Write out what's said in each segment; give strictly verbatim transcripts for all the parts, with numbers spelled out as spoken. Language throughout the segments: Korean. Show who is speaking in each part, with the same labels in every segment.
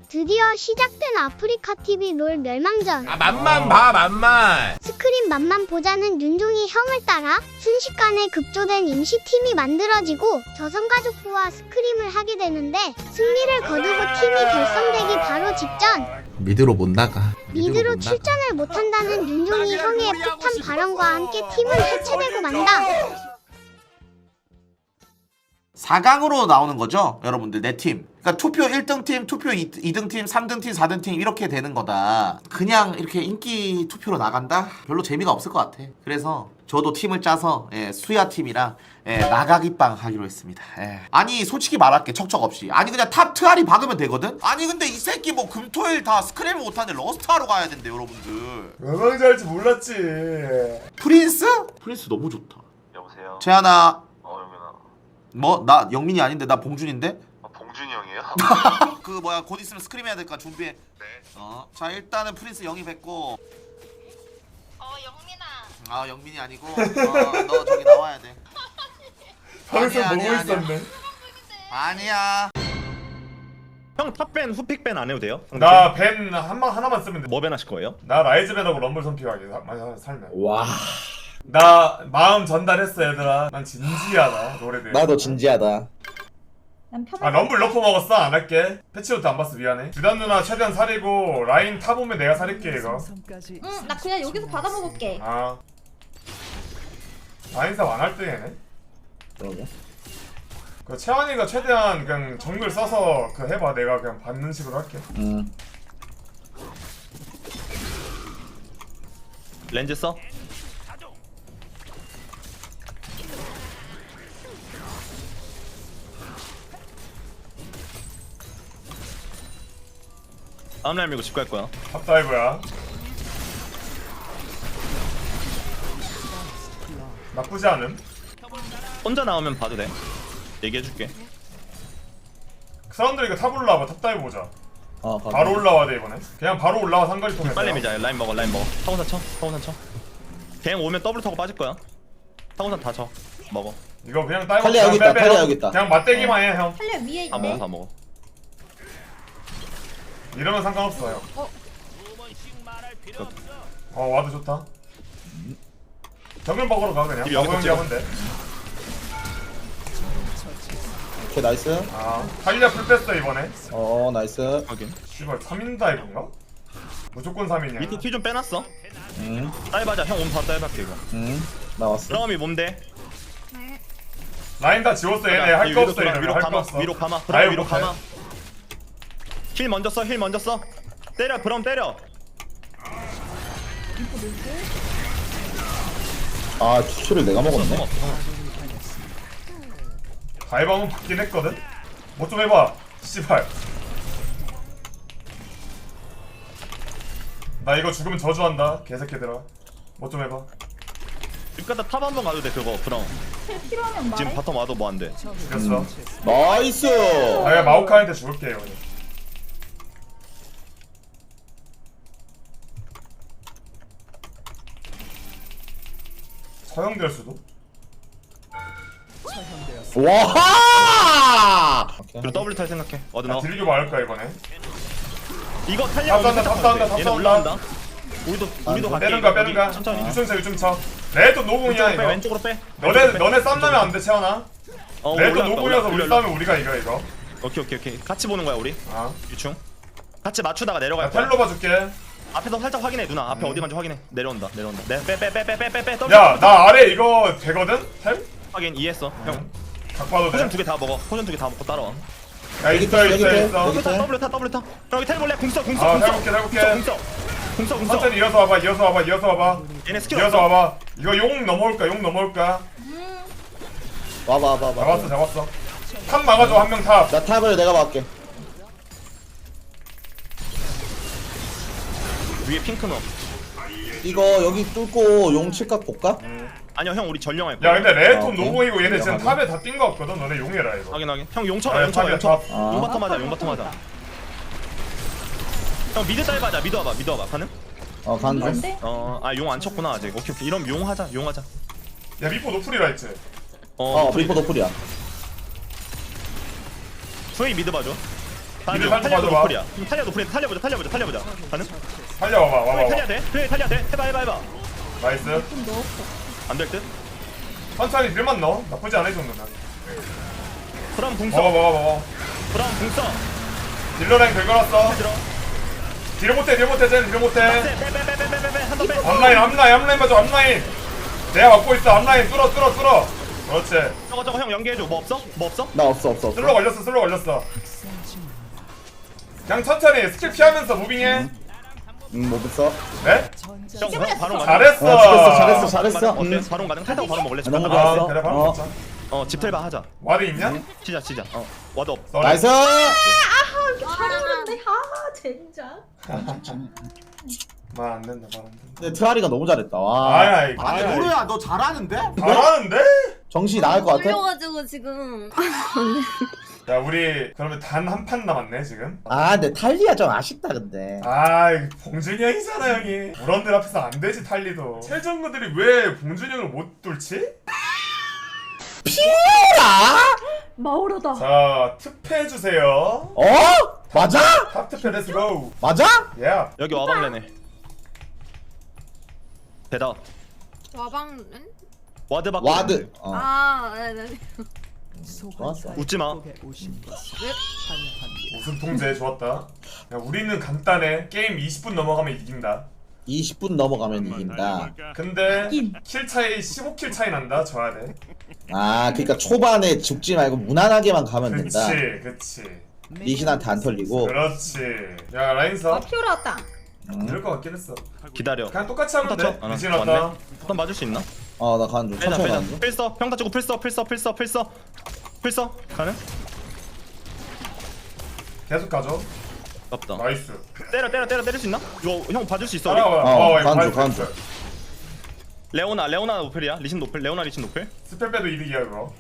Speaker 1: 드디어 시작된 아프리카티비 롤 멸망전.
Speaker 2: 아 맛만 봐 맛만.
Speaker 1: 스크린 맛만 보자는 윤종이 형을 따라 순식간에 급조된 임시팀이 만들어지고 저성가족부와 스크림을 하게 되는데 승리를 거두고 팀이 결성되기 바로 직전
Speaker 3: 미드로 못 나가.
Speaker 1: 미드로
Speaker 3: 못
Speaker 1: 출전을 못한다는 윤종이 형의 폭탄 발언과 함께 팀은 해체되고 만다.
Speaker 3: 사 강으로 나오는 거죠 여러분들. 내 팀 그러니까 투표 일 등 팀, 투표 이 등 팀, 삼 등 팀, 사 등 팀 이렇게 되는 거다. 그냥 이렇게 인기 투표로 나간다? 별로 재미가 없을 것 같아. 그래서 저도 팀을 짜서 예, 수야 팀이랑 예, 나가기빵 하기로 했습니다. 예. 아니 솔직히 말할게 척척 없이. 아니 그냥 탑 트알이 박으면 되거든? 아니 근데 이 새끼 뭐 금토일 다 스크램을 못하는데 러스트하러 가야 된대 여러분들.
Speaker 4: 멸망자 할지 몰랐지.
Speaker 3: 프린스? 프린스 너무 좋다.
Speaker 5: 여보세요?
Speaker 3: 재하나.
Speaker 5: 어 영민아.
Speaker 3: 뭐? 나 영민이 아닌데 나 봉준인데?
Speaker 5: 아 봉준이 형이에요?
Speaker 3: 그 뭐야 곧 있으면 스크림 해야 될까 준비해.
Speaker 5: 네.
Speaker 3: 어. 자 일단은 프린스 영입했고.
Speaker 6: 어 영민아.
Speaker 3: 아 영민이 아니고 어, 너 저기 나와야 돼.
Speaker 4: 방송
Speaker 3: 아니야,
Speaker 4: 보고
Speaker 3: 아니야,
Speaker 4: 있었네.
Speaker 3: 아니야.
Speaker 7: 형 탑밴 후픽 밴 안 해도 돼요?
Speaker 4: 나 벤 한방 하나만 쓰면 돼.
Speaker 7: 뭐 밴 하실 거예요?
Speaker 4: 나 라이즈 벤하고 럼블 선픽하게 많이 살면.
Speaker 8: 와,
Speaker 4: 나 마음 전달했어 얘들아. 난 진지하다 노래 대해.
Speaker 8: 나도 진지하다.
Speaker 4: 아 럼블 러프 먹었어? 안 할게. 패치로도 안 봤어 미안해. 주단 누나 최대한 살이고 라인 탑 오면 내가 살릴게 이거.
Speaker 6: 응, 나 그냥 여기서 받아 먹을게.
Speaker 4: 아 라인 탑 안 할 때 얘네.
Speaker 8: 그러게.
Speaker 4: 그 채환이가 최대한 그냥 정글 써서 그 해봐. 내가 그냥 받는 식으로 할게.
Speaker 8: 음.
Speaker 7: 렌즈 써? 다음 라인 밀고 집 갈 거야.
Speaker 4: 탑다이브야. 나쁘지 않음.
Speaker 7: 혼자 나오면 봐도 돼. 얘기해줄게.
Speaker 4: 그 사람들이 이거 탑 올라와봐. 탑다이브 보자.
Speaker 8: 어, 가.
Speaker 4: 바로 올라와 돼 이번에. 그냥 바로 올라와 상거리 통해서.
Speaker 7: 빨리 밀자. 라인 먹어, 라인 먹어. 타고산 쳐, 타고산 쳐. 갱 오면 더블 타고 빠질 거야. 타고산 다 쳐. 먹어.
Speaker 4: 이거 그냥 다이브.
Speaker 8: 탈리아 여기 있다, 탈리아 여기 있다.
Speaker 4: 그냥 맞대기만 해 형.
Speaker 6: 탈려 위에
Speaker 7: 다 먹어,
Speaker 6: 있네.
Speaker 7: 다 먹어.
Speaker 4: 이러면 상관없어 형. 어 와도 좋다. 정글 먹으러 가 그냥.
Speaker 7: 집 여기서
Speaker 4: 가보연기 하면 돼.
Speaker 8: 오케이, 나이스.
Speaker 4: 아 탈리아 풀 뺐어 이번에.
Speaker 8: 어, 나이스.
Speaker 7: 확인.
Speaker 4: 씨발 삼 인 다이브인가? 무조건 삼 인이야.
Speaker 7: 밑에 키 좀 빼놨어.
Speaker 8: 음,
Speaker 7: 다이브하자. 형 오면 다 다이브할게 이거.
Speaker 8: 음, 나왔어.
Speaker 7: 브라움이 몸대.
Speaker 4: 라인 다 지웠어 얘네. 할 거 없어 얘네.
Speaker 7: 위로
Speaker 4: 할 거
Speaker 7: 감아,
Speaker 4: 없어.
Speaker 7: 위로 감아. 브라움
Speaker 4: 다이브
Speaker 7: 위로
Speaker 4: 못해.
Speaker 7: 감아. 힐 먼저 써, 힐 먼저 써. 때려, 브라움 때려.
Speaker 8: 아, 추출을 내가 먹었네.
Speaker 7: 성공, 성공.
Speaker 4: 다이브 한번 받긴 했거든? 뭐 좀 해봐 씨발. 나 이거 죽으면 저주한다 개새끼들아. 뭐 좀 해봐.
Speaker 7: 집 갔다 탑 한 번 가도 돼 그거 브라움.
Speaker 6: 필요하면
Speaker 7: 지금
Speaker 6: 말해.
Speaker 7: 바텀 와도 뭐 안 돼.
Speaker 4: 죽였어.
Speaker 8: 나이스.
Speaker 4: 아 그냥 마오카한테 죽을게 이거. 처형될 수도?
Speaker 8: 와!
Speaker 7: 그리고 더블 탈 생각해. 어디
Speaker 4: 야
Speaker 7: 나와.
Speaker 4: 딜교 말할까 이번에?
Speaker 7: 이거 탈리아
Speaker 4: 탑 쏜다, 탑 쏜다, 탑
Speaker 7: 얘네
Speaker 4: 쏜다.
Speaker 7: 올라온다. 우리도 우리도 갈게.
Speaker 4: 빼는가 빼는가?
Speaker 7: 천천히.
Speaker 4: 유충 쳐 유충 쳐. 레드 노공이야
Speaker 7: 왼쪽으로 빼.
Speaker 4: 이거.
Speaker 7: 왼쪽으로 빼.
Speaker 4: 너네
Speaker 7: 왼쪽으로 빼.
Speaker 4: 너네 쌈 나면 안 돼 채원아.
Speaker 7: 어,
Speaker 4: 레드
Speaker 7: 올라왔다,
Speaker 4: 노공이어서 우리
Speaker 7: 올라왔다.
Speaker 4: 싸우면 우리가 이겨 이거.
Speaker 7: 오케이 오케이 오케이. 같이 보는 거야 우리.
Speaker 4: 아.
Speaker 7: 유충. 같이 맞추다가 내려갈
Speaker 4: 나
Speaker 7: 거야.
Speaker 4: 텔로 봐줄게.
Speaker 7: 앞에서 살짝 확인해 누나. 앞에 어디 간지 확인해. 내려온다 내려온다. 내빼빼빼빼빼빼.
Speaker 4: 야나 아래 이거 되거든? 텔?
Speaker 7: 확인 이해했어. 형.
Speaker 4: 각 봐도
Speaker 7: 포션
Speaker 4: 돼?
Speaker 7: 두 개 다 먹어. 포션 두 개 다 먹고 따라와.
Speaker 4: 야 있어
Speaker 8: 여기
Speaker 4: 있어
Speaker 8: 텔,
Speaker 4: 있어.
Speaker 8: 여기
Speaker 7: 타
Speaker 8: 텔.
Speaker 7: 더블 타 더블 타. 형 여기 텔 볼래? 궁써 궁써
Speaker 4: 아,
Speaker 7: 궁써.
Speaker 4: 해볼게, 해볼게.
Speaker 7: 궁써 궁써 궁써.
Speaker 4: 천천히 이어서 와봐 이어서 와봐 이어서 와봐.
Speaker 7: 얘네 스킬
Speaker 4: 이어서
Speaker 7: 없어.
Speaker 4: 와봐. 이거 용 넘어올까 용 넘어올까?
Speaker 8: 와봐, 와봐, 와봐.
Speaker 4: 잡았어 잡았어. 탑 막아줘 한 명 탑.
Speaker 8: 나 탑을 내가 막게.
Speaker 7: 위에 핑크 넣어.
Speaker 8: 이거 여기 뚫고 용 칠각 볼까?
Speaker 7: 아니야 형 우리 전령할 거야.
Speaker 4: 야 근데 레드톤
Speaker 8: 아, 오케이.
Speaker 4: 노공이고 얘네 지금
Speaker 8: 확인.
Speaker 4: 탑에 다 뛴 거 없거든. 너네 용해라 이거.
Speaker 7: 확인 확인. 형
Speaker 4: 아,
Speaker 7: 용쳐라 용쳐라
Speaker 4: 탑이야,
Speaker 7: 용쳐.
Speaker 4: 탑.
Speaker 8: 아.
Speaker 7: 용바텀 하자 용바텀 하자. 형 미드 다이브 하자. 미드 와봐 미드 와봐. 가능?
Speaker 8: 어, 간 중.
Speaker 6: 뭔데?
Speaker 7: 어아 용 안 쳤구나 아직. 오케이 오케이. 이러면 용 하자 용 하자.
Speaker 4: 야 미포 노플이라 했지.
Speaker 8: 어, 브리퍼 도플이야.
Speaker 7: 프레이 미드 봐줘. 가는
Speaker 4: 미드
Speaker 7: 중.
Speaker 4: 살짝
Speaker 7: 탈리아도
Speaker 4: 봐줘봐.
Speaker 7: 노플이야. 그럼 탈리아 노플이야. 탈리아보자. 탈리아보자. 탈리아보자. 가능?
Speaker 4: 살려와봐 와봐
Speaker 7: 그래
Speaker 4: 와봐.
Speaker 7: 탈리아 돼? 그래 탈리아 돼? 해봐 해봐 해봐.
Speaker 4: 나이스.
Speaker 6: 좀 넣었어.
Speaker 7: 안 될 듯?
Speaker 4: 천천히 딜만 넣어. 나쁘지 않아 이 정도는.
Speaker 7: 그럼 궁
Speaker 4: 먹어
Speaker 7: 써.
Speaker 4: 먹어 먹어.
Speaker 7: 그럼 궁 써.
Speaker 4: 딜러랭 긁어놨어.
Speaker 7: 들어.
Speaker 4: 딜 못해 딜 못해 쟤는 딜 못해.
Speaker 7: 빼빼빼빼빼빼빼 한 번 빼.
Speaker 4: 앞라인 앞라인 앞라인 봐줘 앞라인. 내가 막고 있어 앞라인 뚫어 뚫어 뚫어. 그렇지.
Speaker 7: 저거 저거 형 연계해줘. 뭐 없어? 뭐 없어?
Speaker 8: 나 없어 없어
Speaker 4: 슬로
Speaker 8: 없어.
Speaker 4: 걸렸어 슬로 걸렸어. 그냥 천천히 스킬 피하면서 무빙해.
Speaker 8: 음, 뭐 없어.
Speaker 4: 네?
Speaker 7: 형 형, 바로 가능.
Speaker 4: 잘했어.
Speaker 8: 아, 잘했어 잘했어 잘했어.
Speaker 7: 어때?
Speaker 8: 음.
Speaker 7: 바로 가능. 탈타고 바로 먹을래?
Speaker 8: 너무
Speaker 7: 집
Speaker 8: 좋아.
Speaker 7: 가.
Speaker 8: 좋았어.
Speaker 4: 아 그래 바로
Speaker 8: 어.
Speaker 4: 먹자.
Speaker 7: 어 집텔바 하자.
Speaker 4: 와드 있냐?
Speaker 7: 치자 치자. 어 와드 없.
Speaker 4: 썰어.
Speaker 8: 나이스.
Speaker 6: 잘했는데 아 젠장.
Speaker 4: 말안 된다 말 안 된다.
Speaker 8: 근데 트아리가 너무 잘했다. 와.
Speaker 4: 아야 이거.
Speaker 3: 아 근데 모르야 너 잘하는데?
Speaker 4: 잘하는데?
Speaker 8: 정신이 나갈 것 같아.
Speaker 5: 올려가지고 지금
Speaker 4: 야 우리 그러면 단 한 판 남았네 지금.
Speaker 8: 아 근데 탈리아 좀 아쉽다 근데.
Speaker 4: 아 이거 봉준이 형이잖아 형이. 우런들 앞에서 안 되지 탈리도. 최정구들이 왜 봉준이 형을 못 뚫지?
Speaker 8: 피라?
Speaker 6: 마오르다.
Speaker 4: 자 투표해주세요.
Speaker 8: 어? 맞아?
Speaker 4: 탑 투표 렛츠고.
Speaker 8: 맞아?
Speaker 4: 예.
Speaker 7: 여기 와방래네. 대답.
Speaker 5: 와방은?
Speaker 7: 와드 받고.
Speaker 8: 와드. 어.
Speaker 5: 아 네네.
Speaker 8: 좋았어.
Speaker 7: 웃지 마.
Speaker 4: 우승 통제 좋았다. 야 우리는 간단해. 게임 이십 분 넘어가면 이긴다.
Speaker 8: 이십 분 넘어가면 이긴다.
Speaker 4: 근데 킬 차이 십오 킬 차이 난다. 져야 돼.
Speaker 8: 아 그러니까 초반에 죽지 말고 무난하게만 가면 된다.
Speaker 4: 그치 그치.
Speaker 8: 리신한테 안 털리고.
Speaker 4: 그렇지. 야 라인서
Speaker 6: 아 피오라 왔다.
Speaker 8: 음.
Speaker 4: 이럴 것 같긴 했어.
Speaker 7: 기다려.
Speaker 4: 그냥 똑같이 하면 돼.
Speaker 7: 쳐. 아,
Speaker 4: 리신
Speaker 7: 왔네.
Speaker 4: 왔다.
Speaker 7: 한번 맞을 수 있나?
Speaker 8: 어나 가는 중.
Speaker 7: 빼자
Speaker 8: 천천히
Speaker 7: 빼자.
Speaker 8: 가는 중.
Speaker 7: 필서. 평타 치고 필서 필서 필서 필서 필서. 가능?
Speaker 4: 계속 가죠.
Speaker 7: 없다.
Speaker 4: 나이스.
Speaker 7: 때려 때려 때려 때릴 수 있나? 이거 형 봐줄 수 있어? 우리?
Speaker 4: 따라와.
Speaker 8: 어,
Speaker 4: 이거
Speaker 8: 간주,
Speaker 4: 봐야
Speaker 8: 간주.
Speaker 4: 돼.
Speaker 7: 레오나 레오나 노플이야. 리신 노플. 레오나 리신 노플.
Speaker 4: 스펠 빼도 이득이야 그거.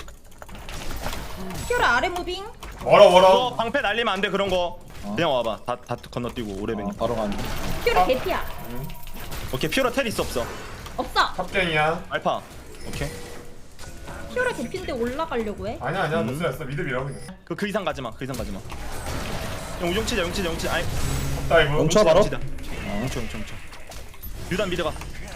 Speaker 6: 피오라 아래 무빙.
Speaker 4: 멀어
Speaker 7: 그거
Speaker 4: 멀어.
Speaker 7: 방패 날리면 안 돼 그런 거. 그냥 와봐. 다 다 건너뛰고 오래뱅이.
Speaker 8: 어, 바로 가는 중.
Speaker 6: 피오라 개피야.
Speaker 7: 오케이 피오라 텔 있어 없어?
Speaker 6: 없어.
Speaker 4: 탑갱이야.
Speaker 7: 알파. 오케이.
Speaker 6: 피오라 개피인데 올라가려고 해.
Speaker 4: 아니야 아니야.
Speaker 7: 음.
Speaker 4: 됐어 됐어. 미드 밀어 그냥.
Speaker 7: 그 그 이상 가지 마. 그 이상 가지 마. 용 용치자 용치자 용치. 아이
Speaker 4: 다이브.
Speaker 8: 멈춰. 바로?
Speaker 7: 용치자. 용쳐 용쳐 용쳐. 유단 미드가.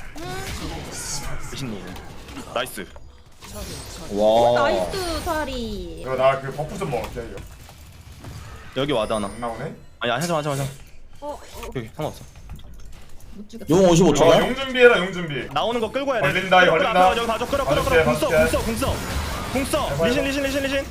Speaker 7: 리신 노. 나이스.
Speaker 8: 와.
Speaker 6: 나이스 사리.
Speaker 4: 이거 나 그 버프 좀 먹을게 이거.
Speaker 7: 여기 와드 하나.
Speaker 4: 안 나오네.
Speaker 7: 아니 하지 마 하지 마 하지 마.
Speaker 6: 어, 어
Speaker 7: 여기 상관없어.
Speaker 6: 못 죽였어.
Speaker 8: 용 오십오
Speaker 4: 어,
Speaker 8: 초야?
Speaker 4: 용 준비해라 용 준비.
Speaker 7: 나오는 거 끌고 해야 돼.
Speaker 4: 걸린다, 이거 걸린다.
Speaker 7: 끌어, 끌어, 여기 봐줘. 끌어 끌어 끌어.
Speaker 4: 봐줄게,
Speaker 7: 궁써
Speaker 4: 봐줄게.
Speaker 7: 궁써 궁써. 궁써.
Speaker 4: 해봐,
Speaker 7: 리신
Speaker 4: 해봐.
Speaker 7: 리신 리신 리신.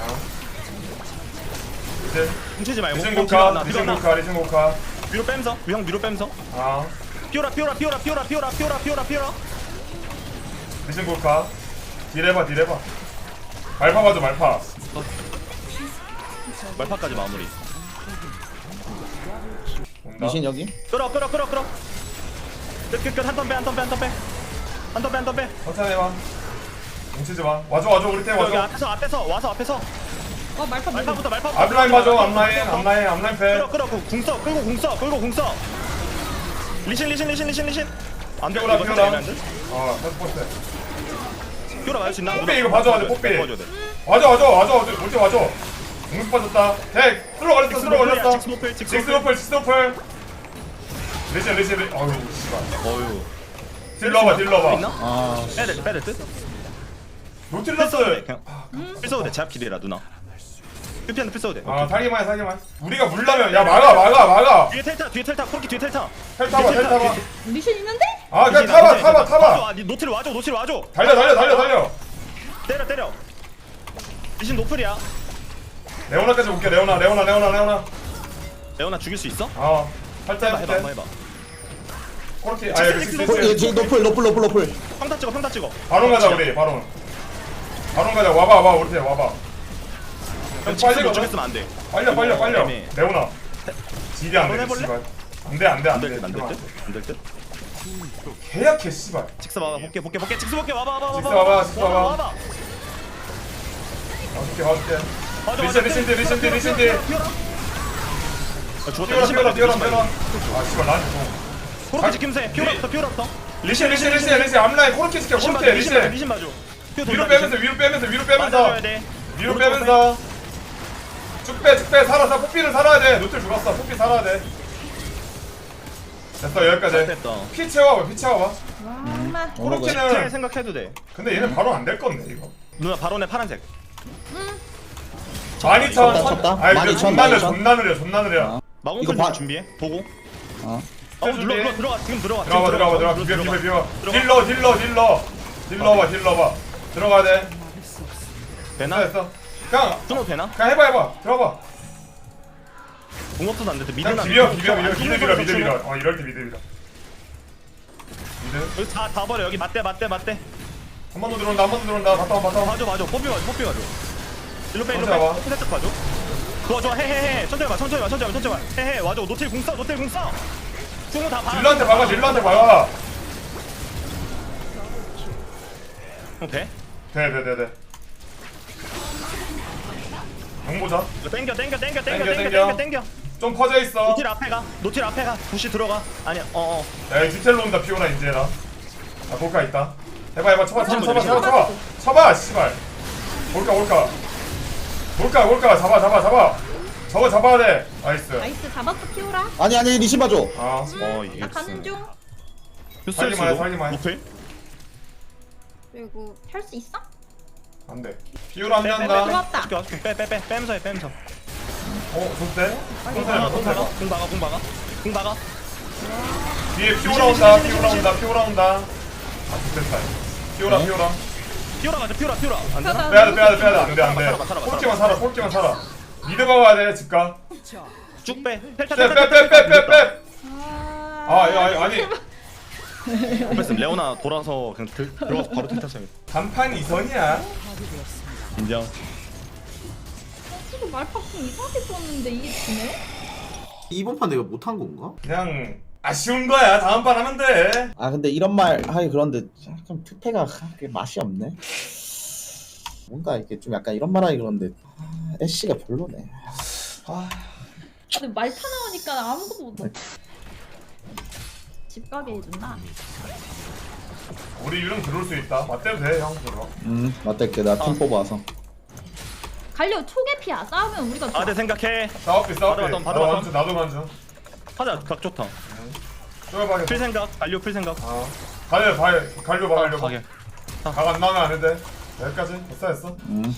Speaker 4: 이제
Speaker 7: 뭉치지 말고.
Speaker 4: 리신
Speaker 7: 어, 뒤로
Speaker 4: 고카
Speaker 7: 나, 뒤로
Speaker 4: 리신
Speaker 7: 나.
Speaker 4: 고카 리신 고카.
Speaker 7: 위로 빼면서. 형 위로 빼면서.
Speaker 4: 아
Speaker 7: 피오라 피오라 피오라 피오라 피오라 피오라 피오라 피오라.
Speaker 4: 리신 고카. 딜해봐 딜해봐. 말파 봐줘 말파.
Speaker 7: 말파까지 마무리.
Speaker 4: 온다.
Speaker 8: 리신 여기?
Speaker 7: 끌어 끌어 끌어 끌어. 끝끝끝 한 턴 빼 한 턴 빼 한 턴 빼. 한 턴 빼 한 턴 빼.
Speaker 4: 천천히 해봐. 뭉치지 마. 와줘 와줘 우리 팀
Speaker 7: 여기
Speaker 4: 와줘.
Speaker 7: 앞에서 앞에서 와서 앞에서.
Speaker 6: 어 말파 무빙.
Speaker 7: 말파부터 말파부터.
Speaker 4: 앞라인 봐줘 앞라인 앞라인 앞라인 패.
Speaker 7: 끌어 끌어 궁써 끌고 궁써 끌고 궁써. 리신 리신 리신 리신 리신. 안 돼.
Speaker 4: 피오라,
Speaker 7: 이거
Speaker 4: 피오라.
Speaker 7: 살짝 애매한데?
Speaker 4: 어 패스 포스.
Speaker 7: 피오라 맞을 수 있나?
Speaker 4: 뽀삐 이거 봐줘, 봐줘, 뽀삐.
Speaker 7: 봐줘야 돼.
Speaker 4: 와줘 와줘 와줘 와줘 우리 팀 와줘. 공수 빠졌다. 대 슬로 걸렸어 슬로 걸렸어.
Speaker 7: 직스 노플 직스
Speaker 4: 직스
Speaker 7: 노플.
Speaker 4: 노플 직스 노플. 리신 리신 리. 어유 씨발.
Speaker 7: 어유.
Speaker 4: 딜러봐 딜러봐.
Speaker 7: 있나?
Speaker 8: 아
Speaker 7: 빼야 빼야 듯.
Speaker 4: 노틸러스.
Speaker 7: 그냥 필서도 돼. 제압킬이라 누나. 큐피한테 필서도 돼.
Speaker 4: 아 사기만 해 사기만. 우리가 물라면 야 막아 막아 막아.
Speaker 7: 뒤에 텔타 뒤에 텔타 코르키 뒤에 텔타.
Speaker 4: 텔 타봐 텔 타봐.
Speaker 6: 미션 있는데?
Speaker 4: 아 그냥 타봐 타봐 타봐.
Speaker 7: 아, 노틸 와줘 노틸 와줘.
Speaker 4: 달려 달려 달려 달려.
Speaker 7: 때려 때려. 리신 노플이야.
Speaker 4: 레오나까지 올게 레오나 레오나 레오나 레오나.
Speaker 7: 레오나 죽일 수 있어?
Speaker 4: 어. 살짝
Speaker 7: 해봐 해봐 한번
Speaker 4: 해볼게.
Speaker 7: 해봐.
Speaker 4: 코르키 아 여기
Speaker 7: 직스,
Speaker 8: 어, 얘
Speaker 4: 직스.
Speaker 8: 지금 노플 노플 노플 노플.
Speaker 7: 평타 찍어 평타 찍어.
Speaker 4: 바론 가자 우리 바론. 바론 가자 와봐 와봐 우리 팀 와봐.
Speaker 7: 형
Speaker 4: 빨리
Speaker 7: 직스 못
Speaker 4: 가자.
Speaker 7: 죽였으면 안 돼.
Speaker 4: 빨려 빨려 빨려.
Speaker 7: 애매해.
Speaker 4: 레오나. 딜이 안돼
Speaker 7: 바론 해볼래?
Speaker 4: 씨발. 안돼 안돼
Speaker 7: 안 될
Speaker 4: 안돼.
Speaker 7: 듯 안 될 듯. 안 될 듯.
Speaker 4: 계약해 씨발.
Speaker 7: 직스 와봐 볼게 볼게 볼게 직스 볼게 와봐 와봐
Speaker 4: 직스 와봐, 직스 와봐.
Speaker 7: 와봐.
Speaker 4: 봐줄게 봐줄게.
Speaker 7: 맞아,
Speaker 4: 리신
Speaker 7: 맞아.
Speaker 4: 리신 딜 리신 딜 리신 딜.
Speaker 7: 피어라. 아, 죽었다.
Speaker 4: 피어라
Speaker 7: 리신
Speaker 4: 피어라
Speaker 7: 맞아,
Speaker 4: 피어라
Speaker 7: 리신
Speaker 4: 피어라.
Speaker 7: 맞아.
Speaker 4: 아 씨발 난 좀.
Speaker 7: 코르키 지킴새. 피어라부터 피어라부터.
Speaker 4: 리신 리신 리신 리신 앞라인 코르키 지켜
Speaker 7: 리신
Speaker 4: 코르키
Speaker 7: 맞아 리신 맞아
Speaker 4: 리신.
Speaker 7: 리신 맞아. 피어
Speaker 4: 위로
Speaker 7: 돌자,
Speaker 4: 빼면서
Speaker 7: 리신.
Speaker 4: 위로 빼면서 위로 빼면서
Speaker 7: 맞아줘야 돼.
Speaker 4: 위로
Speaker 7: 오른쪽
Speaker 4: 빼면서 쭉빼 쭉빼 살아 살아 뽀삐는 살아야 돼. 노틸 죽었어. 뽀삐 살아야 돼. 됐어 여기까지.
Speaker 7: 됐다.
Speaker 4: 피 채워봐 피 채워봐.
Speaker 6: 와 엄마.
Speaker 7: 제
Speaker 4: 코르키는
Speaker 7: 생각해도 돼.
Speaker 4: 근데 얘는 바로 안 될 건데 이거.
Speaker 7: 누나 바론의 파란색.
Speaker 4: 만 이천.
Speaker 8: 쳤다, 쳤다.
Speaker 4: 아이
Speaker 8: 만
Speaker 4: 그
Speaker 8: 이천,
Speaker 4: 존나 느려
Speaker 8: 만 이천.
Speaker 4: 존나 느려 존나 느려.
Speaker 8: 어.
Speaker 7: 마공
Speaker 8: 이거
Speaker 7: 이거
Speaker 8: 봐.
Speaker 7: 준비해. 보고.
Speaker 8: 어.
Speaker 7: 어 눌러 눌러 들어가 지금 들어가. 지금
Speaker 4: 들어가 들어가 들어가 비벼 비벼 비벼. 딜러 딜러 딜러 딜러 봐 딜러 봐. 들어가야 돼.
Speaker 7: 되나?
Speaker 4: 됐어 됐어. 그냥
Speaker 7: 끊어도 되나?
Speaker 4: 그냥 해봐 해봐. 들어가.
Speaker 7: 공업도 안 돼도
Speaker 4: 그냥
Speaker 7: 미드나.
Speaker 4: 비벼 비벼 비벼 미드 밀어 미드 밀어. 어 이럴 때 미드 밀어. 미드.
Speaker 7: 여기 다다 버려 여기 맞대 맞대 맞대.
Speaker 4: 한 번 더 들어온다 한 번 더 들어온다. 바텀 바텀.
Speaker 7: 봐줘 봐줘 뽀삐 봐줘 뽀삐 봐줘. 일로 빼 일로
Speaker 4: 천천히 와봐.
Speaker 7: 빼. 살짝 봐줘. 그거 좋아 해해해. 천천히 봐 천천히 봐 천천히 봐 천천히 봐. 해해 와줘. 노틸 궁 써. 노틸 궁 써. 궁은 다 봐.
Speaker 4: 딜러한테 박아 딜러한테 박아.
Speaker 7: 어, 돼?
Speaker 4: 돼돼돼돼. 용 보자.
Speaker 7: 이거 땡겨 땡겨 땡겨 땡겨
Speaker 4: 땡겨,
Speaker 7: 땡겨
Speaker 4: 땡겨.
Speaker 7: 땡겨 땡겨.
Speaker 4: 좀 퍼져 있어.
Speaker 7: 노틸 앞에 가. 노틸 앞에 가. 부시 들어가. 아니야. 어 어.
Speaker 4: 야, 이 디텔로 온다, 피오라, 인제라. 아, 볼까, 있다. 해봐, 해봐, 쳐봐, 쳐봐, 쳐봐, 쳐봐, 쳐봐. 쳐봐, 씨발. 볼까, 볼까. 볼까, 볼까, 잡아, 잡아, 잡아. 저거 잡아야 돼. 나이스.
Speaker 6: 나이스 잡았어 키오라.
Speaker 8: 아니 아니 리신 봐줘.
Speaker 4: 아,
Speaker 7: 어 이게
Speaker 6: 나 가는 중.
Speaker 7: 휴스일
Speaker 4: 살기만 해,
Speaker 7: 수도.
Speaker 4: 살기만 해.
Speaker 7: 노틸?
Speaker 6: 그리고 할 수 있어?
Speaker 4: 안 돼. 피오라 안
Speaker 7: 빼, 빼, 빼,
Speaker 4: 난다.
Speaker 6: 들어왔다.
Speaker 7: 빼, 빼, 빼, 빼, 빼, 빼면서 해, 빼면서.
Speaker 4: 어, 좋대?
Speaker 7: 공
Speaker 4: 좋대,
Speaker 7: 박아, 공 박아,
Speaker 4: 좋대.
Speaker 7: 공 박아, 공 박아. 공 박아.
Speaker 4: 뒤에 피오라 온다, 피오라 온다, 피오라 온다. 아, 좋겠다. 피오라,
Speaker 8: 네?
Speaker 4: 피오라.
Speaker 7: 피오라 가자, 피오라, 피오라. 안 되나?
Speaker 4: 빼야 돼, 빼야 돼, 빼야 돼. 안 돼, 안 돼.
Speaker 7: 살아봐, 살아봐,
Speaker 4: 꼴찌만 살아, 꼴찌만 살아. 미드 가야 돼, 집가.
Speaker 7: 쭉 빼. 펠타,
Speaker 4: 빼, 빼, 빼, 빼, 빼, 빼.
Speaker 6: 아.
Speaker 4: 아, 야, 아니.
Speaker 7: 뺐음. 레오나 돌아서 그냥 들, 들어가서 바로 텔탔어요.
Speaker 4: 단판 이선이야.
Speaker 7: 인정.
Speaker 6: 지금 말파풍 이상하게 썼는데 이게 지네?
Speaker 3: 이번 판 내가 못한 건가?
Speaker 4: 그냥 아쉬운 거야. 다음 판 하면 돼.
Speaker 8: 아 근데 이런 말 하기 그런데 좀 투패가 그렇게 맛이 없네. 뭔가 이렇게 좀 약간 이런 말 하기 그런데 아, 애쉬가 별로네. 아,
Speaker 6: 근데 말파 나오니까 아무것도 못. 집 가게 해준다.
Speaker 4: 우리 유령 들어올 수 있다. 맞대도 돼, 형. 들어.
Speaker 8: 음 맞댈게 나팀 뽑아서.
Speaker 6: 갈려 초계피야. 싸우면 우리가 좋아.
Speaker 7: 아, 내 생각해.
Speaker 4: 싸웠게, 싸웠게.
Speaker 7: 받아, 받아,
Speaker 4: 나도
Speaker 7: 받아.
Speaker 4: 만져, 나도 만져.
Speaker 7: 하자, 각 좋다.
Speaker 4: 쪼여봐야겠다.
Speaker 7: 풀 생각, 갈려 풀 생각.
Speaker 4: 아, 갈려, 갈려, 갈려 봐, 갈려 봐.
Speaker 7: 가게.
Speaker 4: 각안 나오면 안 돼. 여기까지. 됐어, 됐어.
Speaker 8: 음.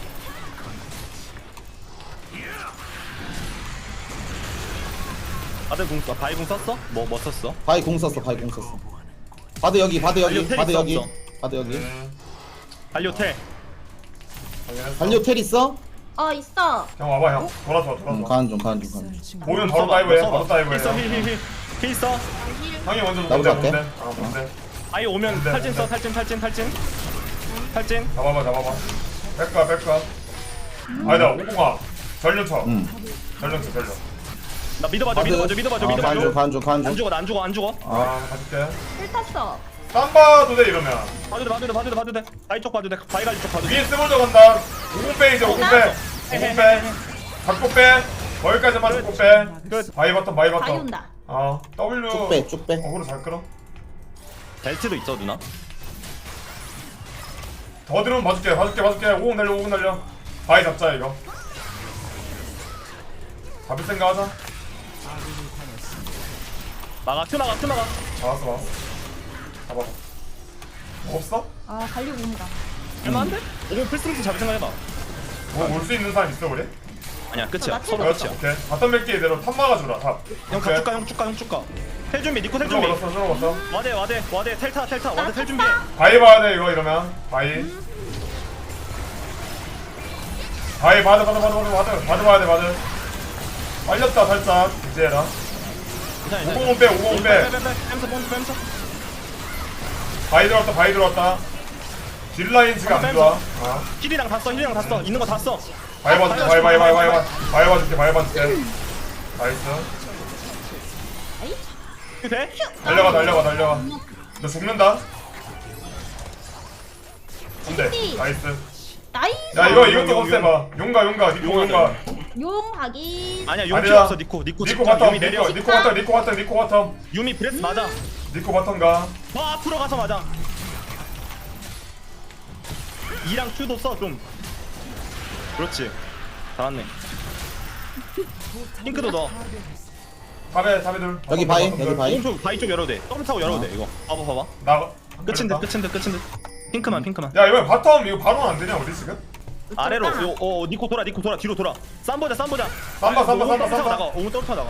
Speaker 7: 아들 궁 써. 바이 궁 썼어? 뭐, 뭐 썼어?
Speaker 8: 바이 공 썼어 바이 공 썼어. 바드 여기 바드 여기
Speaker 7: 달려,
Speaker 8: 바드
Speaker 7: 테리스
Speaker 8: 여기
Speaker 7: 없어.
Speaker 8: 바드 여기.
Speaker 4: 음,
Speaker 7: 갈려 텔.
Speaker 4: 확인했어.
Speaker 8: 달려 텔 있어?
Speaker 6: 어 있어.
Speaker 4: 형 와봐, 형. 돌아서,
Speaker 8: 음,
Speaker 4: 돌아서.
Speaker 8: 가는 중 가는 중 가는 중.
Speaker 4: 보면 바로 다이브해, 바로 다이브해.
Speaker 7: 힐 써, 힐, 힐, 힐. 힐 써.
Speaker 4: 형이 먼저
Speaker 8: 나도
Speaker 4: 뭔데,
Speaker 8: 갈게.
Speaker 4: 뭔데? 아, 뭔데?
Speaker 7: 아이 오면
Speaker 4: 근데,
Speaker 7: 탈진 써,
Speaker 4: 근데.
Speaker 7: 탈진, 탈진, 탈진. 탈진.
Speaker 4: 잡아봐, 잡아봐. 뺄까, 뺄까. 아니다, 오공아. 전륜 쳐.
Speaker 8: 음.
Speaker 4: 전륜 쳐, 전륜.
Speaker 7: 나 믿어봐줘, 믿어봐줘, 믿어봐줘,
Speaker 8: 아, 가는 중
Speaker 7: 믿어봐줘.
Speaker 8: 가는 중 가는
Speaker 7: 안
Speaker 8: 중.
Speaker 7: 죽어, 나 안 죽어, 안 죽어.
Speaker 4: 아, 가줄게.
Speaker 6: 힐 탔어.
Speaker 4: 땀 봐도 돼, 이러면.
Speaker 7: 봐도 돼, 봐도 돼, 봐도 돼, 봐도 돼. 바이 쪽 봐도 돼, 바이 가지 쪽 봐도 돼.
Speaker 4: 위에 스몰더 간다. 오공 빼, 이제 오공 빼. 오공 빼. 잡고 빼. 거기까지만 잡고 빼.
Speaker 7: 끝.
Speaker 4: 바이 바텀, 바이
Speaker 6: 바이
Speaker 4: 바텀.
Speaker 6: 온다.
Speaker 4: 어, W.
Speaker 8: 쭉 빼, 쭉 빼.
Speaker 4: 어그로 잘 끌어.
Speaker 7: 벨트도 있어, 누나.
Speaker 4: 더 들으면 봐줄게, 봐줄게, 봐줄게. 오공 날려, 오공 날려. 바이 잡자, 이거. 잡을 생각 하자.
Speaker 7: 막아, 트 막아, 트 막아.
Speaker 4: 잡았어, 잡았어. 잡아봐. 뭐 없어?
Speaker 6: 아 갈려 온다.
Speaker 7: 얼마인데? 오공 풀스윙스 잡을 생각해봐.
Speaker 4: 뭐 올 수 있는 사람 있어, 우리?
Speaker 7: 아니야, 끝이야.
Speaker 6: 나
Speaker 7: 서로
Speaker 4: 그렇지,
Speaker 7: 끝이야.
Speaker 4: 오케이. 바텀 몇 개대로 탑 막아주라, 탑.
Speaker 7: 형, 가, 쭉 가, 형, 쭉 가, 형, 쭉 가. 텔 준비, 니코 텔 준비.
Speaker 4: 들어갔어, 들어갔어.
Speaker 7: 와대, 와대, 와대, 텔타, 텔타, 와대, 텔 준비.
Speaker 4: 바이 봐야 돼, 이거 이러면. 바이. 바이, 바드, 바드, 바드, 바드, 바드. 바드 봐야 돼, 바드. 빨렸다, 살짝. 이제 해라.
Speaker 7: 괜찮아, 괜찮아.
Speaker 4: 오공은 빼, 오공은 빼.
Speaker 7: 빼, 빼, 빼. 뺨서, 뺨서, 뺨서.
Speaker 4: 바이 들어왔다, 바이 들어왔다. 딜라인 지금 안 좋아. 아.
Speaker 7: 힐이랑 다 써, 힐이랑 다 써. 있는 거 다 써.
Speaker 4: 바이 봐줄게, 바이, 바이, 바이, 바이, 바이. 바이 봐줄게, 바이 봐줄게. 나이스.
Speaker 7: 돼?
Speaker 4: 달려가, 달려가, 달려가. 너 죽는다. 안돼. 나이스.
Speaker 6: 나이스.
Speaker 4: 야, 이거, 이것도
Speaker 7: 용, 용,
Speaker 4: 없애봐. 용가, 용가, 니코 용가.
Speaker 6: 용 확인.
Speaker 7: 아니야, 용
Speaker 4: 아니야.
Speaker 7: 필요 없어, 니코. 니코
Speaker 4: 니코
Speaker 7: 직접
Speaker 4: 바텀,
Speaker 7: 유미 내려.
Speaker 4: 니코, 니코 바텀, 니코 바텀, 니코 바텀.
Speaker 7: 유미 브레스 맞아.
Speaker 4: 니코 바텀 가.
Speaker 7: 더 앞으로 가서 맞아. 이랑 Q도 써, 좀. 그렇지. 잘았네. 핑크도 넣어.
Speaker 4: 탑에 탑에 둘.
Speaker 8: 여기 바위,
Speaker 4: 바텀 둘.
Speaker 8: 여기 바위.
Speaker 7: 오른쪽 바위 쪽 열어도 돼. 더블 타고 열어도 돼 이거. 봐봐 봐봐.
Speaker 4: 나가.
Speaker 7: 끝인 듯 끝인 듯 끝인 듯. 핑크만 핑크만.
Speaker 4: 야 이거 바텀 이거 바로 안 되냐 우리 지금?
Speaker 7: 아래로 요, 어 니코 돌아 니코 돌아 뒤로 돌아. 쌈 보자 쌈 보자.
Speaker 4: 쌈봐, 쌈봐,
Speaker 7: 오늘
Speaker 4: 쌈봐,
Speaker 7: 더블 타고
Speaker 4: 쌈봐.
Speaker 7: 나가. 오늘 더블 타고 나가.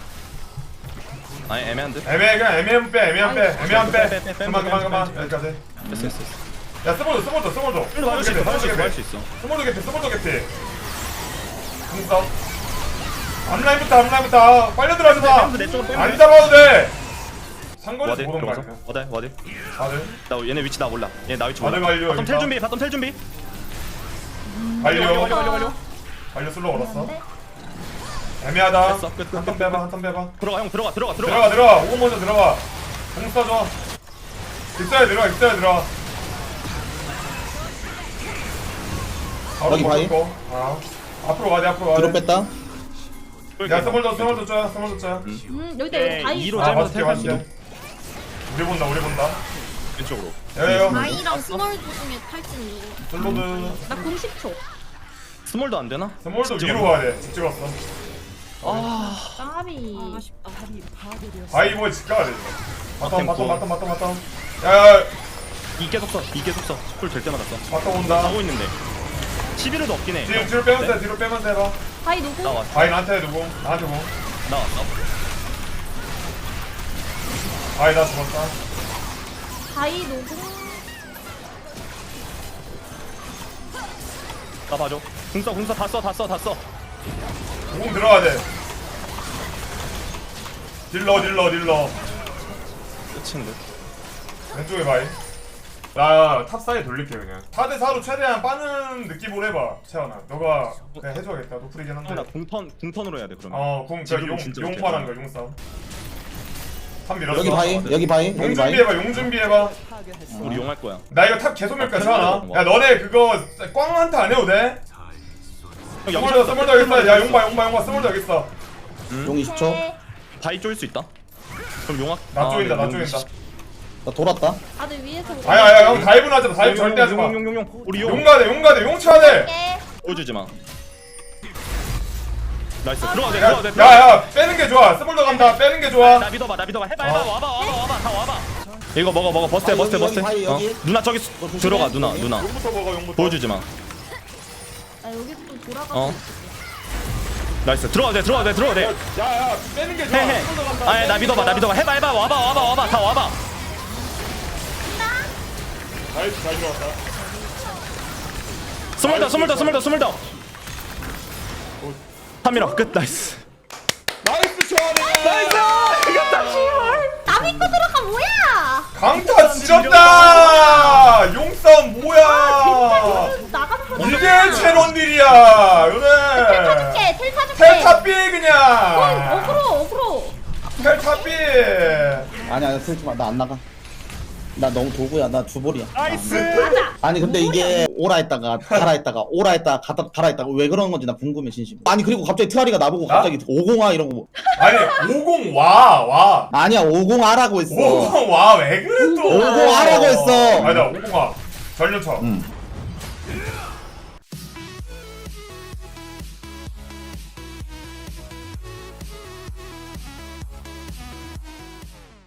Speaker 7: 아니 애매한 듯.
Speaker 4: 애매해 그냥 애매한 빼 애매한 빼 애매한
Speaker 7: 빼,
Speaker 4: 빼.
Speaker 7: 빼, 빼, 빼,
Speaker 4: 그만
Speaker 7: 빼,
Speaker 4: 그만
Speaker 7: 빼,
Speaker 4: 그만
Speaker 7: 빼.
Speaker 4: 여기까지.
Speaker 7: 됐어 됐어 됐어.
Speaker 4: 야 스몰도 스몰도 스몰도.
Speaker 7: 이거 할수 있어 할수 있어 할수 있어.
Speaker 4: 스몰도 개피 스몰도 개피. 공싸. 앞라인부터 앞라인부터 빨려 들어가지 마.
Speaker 7: 빼면서 내 쪽으로 빼면
Speaker 4: 안
Speaker 7: 돼.
Speaker 4: 잡아도 돼. 상거리에서
Speaker 7: 와드
Speaker 4: 보던 거
Speaker 7: 들어가서.
Speaker 4: 아니야?
Speaker 7: 와드 와드.
Speaker 4: 다들
Speaker 7: 나 얘네 위치 나 몰라. 얘 나 위치 몰라.
Speaker 4: 와드 완료,
Speaker 7: 바텀 텔
Speaker 4: 일단.
Speaker 7: 준비 바텀 텔 준비.
Speaker 4: 완료
Speaker 7: 완료 완료 완료.
Speaker 4: 완료 슬로 걸었어. 애매하다.
Speaker 7: 됐어, 끝, 끝,
Speaker 4: 한턴 빼봐 한턴 빼봐.
Speaker 7: 들어가 형 들어가 들어가 들어가.
Speaker 4: 들어가 들어가 오고 먼저 들어가. 공 써줘. 입사에 들어가 입사에 들어가. 바로
Speaker 8: 여기 바위?
Speaker 4: 먹고. 아. 앞으로 가야 돼 앞으로 가야
Speaker 8: 뒤로
Speaker 4: 돼.
Speaker 8: 뺐다.
Speaker 4: 야 스몰더 스몰더 쪼야 스몰더 쪼야.
Speaker 6: 음 여기다
Speaker 7: 네,
Speaker 6: 여기 바위
Speaker 7: 이로
Speaker 6: 있어.
Speaker 4: 아
Speaker 7: 짧아서
Speaker 4: 맛있게
Speaker 7: 텔
Speaker 4: 맛있게.
Speaker 7: 수도.
Speaker 4: 우리 본다 우리 본다.
Speaker 7: 왼쪽으로.
Speaker 4: 야야야.
Speaker 5: 바이랑 스몰 중에 탈진 누구?
Speaker 4: 슬로드.
Speaker 6: 나 공십 초.
Speaker 7: 스몰도 안 되나?
Speaker 4: 스몰더
Speaker 7: 집
Speaker 4: 위로
Speaker 7: 찍어.
Speaker 4: 가야 돼. 집 찍었어.
Speaker 7: 아
Speaker 6: 까비.
Speaker 5: 아 아쉽다.
Speaker 4: 바위 뭐에 집 가야 돼. 이거. 바텀
Speaker 7: 템포.
Speaker 4: 바텀 바텀 바텀 바텀. 야야
Speaker 7: 이 계속 써. 이 계속 써. 쿨될 때마다 써.
Speaker 4: 바텀 온다.
Speaker 7: 하고 있는데. 십일호도 없긴 해.
Speaker 4: 뒤로 뒤로 빼면서 해 뒤로 빼면서 해봐.
Speaker 6: 바위 누구?
Speaker 7: 나왔어.
Speaker 4: 바위 나한테 누구? 나한테 뭐?
Speaker 7: 나왔어.
Speaker 4: 바위 나 죽었다.
Speaker 6: 바위 누구?
Speaker 7: 나 봐줘. 궁서 궁서 다 써 다 써 다 써.
Speaker 4: 공 들어가야 돼. 딜러 딜러 딜러.
Speaker 7: 끝인 듯.
Speaker 4: 왼쪽에 바위. 나 탑사이 돌릴게 그냥. 사 대 사로 최대한 빠는 느낌으로 해봐. 채원아. 너가 그냥 해줘야겠다. 노플이긴
Speaker 7: 형, 나
Speaker 4: 한데.
Speaker 7: 궁턴 궁턴으로 해야 돼 그러면.
Speaker 4: 어, 궁, 저
Speaker 7: 지금은
Speaker 4: 용,
Speaker 7: 진짜
Speaker 4: 용파란
Speaker 7: 못해.
Speaker 4: 거, 용싸움. 탑 밀었어.
Speaker 8: 여기 바위, 여기 바위,
Speaker 4: 용
Speaker 8: 여기 바위.
Speaker 4: 준비해봐, 용 준비해봐.
Speaker 7: 우리 용 할 거야.
Speaker 4: 나 이거 탑 계속 밀까,
Speaker 7: 아,
Speaker 4: 채원아.
Speaker 7: 뭐.
Speaker 4: 야, 너네 그거 꽝 한타 안 해도 돼?
Speaker 7: 형
Speaker 4: 스몰더,
Speaker 7: 영상
Speaker 4: 스몰더 여기 있어. 야, 용봐, 용봐, 용봐, 스몰더 여기 있어.
Speaker 8: 용 이십 초.
Speaker 7: 바위 쪼일 수 있다. 그럼 용학.
Speaker 4: 나
Speaker 7: 아,
Speaker 4: 쪼인다,
Speaker 7: 네,
Speaker 4: 나
Speaker 7: 용
Speaker 4: 쪼인다.
Speaker 7: 이십.
Speaker 8: 나 돌았다.
Speaker 6: 다들 위에서.
Speaker 4: 아야, 아야, 형 다이브는 하지 마. 다이브 절대 하지 마.
Speaker 7: 용, 용, 용, 용. 우리 용
Speaker 4: 용 가야 돼, 용 가야 돼, 용 쳐야 돼.
Speaker 7: 보여주지 마. 나이스. 들어가 돼.
Speaker 4: 야,
Speaker 7: 들어가 돼. 들어가 돼.
Speaker 4: 야, 야, 빼는 게 좋아. 스몰더 간다, 빼는 게 좋아.
Speaker 7: 나 믿어봐. 나 믿어봐. 해봐 해봐. 와봐 와봐 와봐. 다 와봐. 이거 먹어 먹어. 버스해
Speaker 8: 아,
Speaker 7: 버스해
Speaker 8: 여기,
Speaker 7: 버스해.
Speaker 8: 여기,
Speaker 7: 어.
Speaker 8: 여기.
Speaker 7: 누나 저기 수-
Speaker 8: 조심해.
Speaker 7: 들어가 누나
Speaker 8: 여기.
Speaker 7: 누나.
Speaker 4: 용부터 먹어, 용부터.
Speaker 7: 보여주지 마.
Speaker 6: 나 여기 또 돌아가.
Speaker 7: 어. 나이스. 들어가 돼. 들어가 돼. 들어가 돼.
Speaker 4: 야, 야, 빼는 게 좋아.
Speaker 7: 해 해.
Speaker 4: 스몰더 간다.
Speaker 7: 아예 나 믿어봐. 나 믿어봐. 해봐 해봐. 와봐 와봐 와봐. 다 와봐.
Speaker 4: 나이스, 잘 들어왔다.
Speaker 7: 스물더 스물더 스물더 스물더. 한미러 끝. 나이스.
Speaker 4: 나이스, 채원이.
Speaker 7: 나이스. 이겼다.
Speaker 6: 나 믿고 들어가 뭐야?
Speaker 4: 강타 지렸다! 용싸움 뭐야!
Speaker 6: 나가는 거.
Speaker 4: 이게 채론딜이야! 요네!
Speaker 6: 타줄게. 텔 타줄게.
Speaker 4: 텔탑비
Speaker 6: 어,
Speaker 4: 그냥!
Speaker 6: 어그로 어그로.
Speaker 4: 텔탑비!
Speaker 8: 아니 아니 슬지 마. 나 안 나가. 나 너무 도구야. 나 주볼이야.
Speaker 7: 나이스.
Speaker 6: 맞아.
Speaker 8: 아니 근데 이게 오라 했다가 가라 했다가 오라 했다가 가다 가라 했다가 왜 그러는 건지 나 궁금해 진심. 아니 그리고 갑자기 트아리가 나보고
Speaker 4: 나?
Speaker 8: 갑자기 오공아 이런 거.
Speaker 4: 아니 오공 와! 와!
Speaker 8: 아니야 오공아라고 했어.
Speaker 4: 오공 와! 왜 그래 또!
Speaker 8: 오공아라고 했어.
Speaker 4: 아니다 오공아 전륜 쳐
Speaker 8: 응.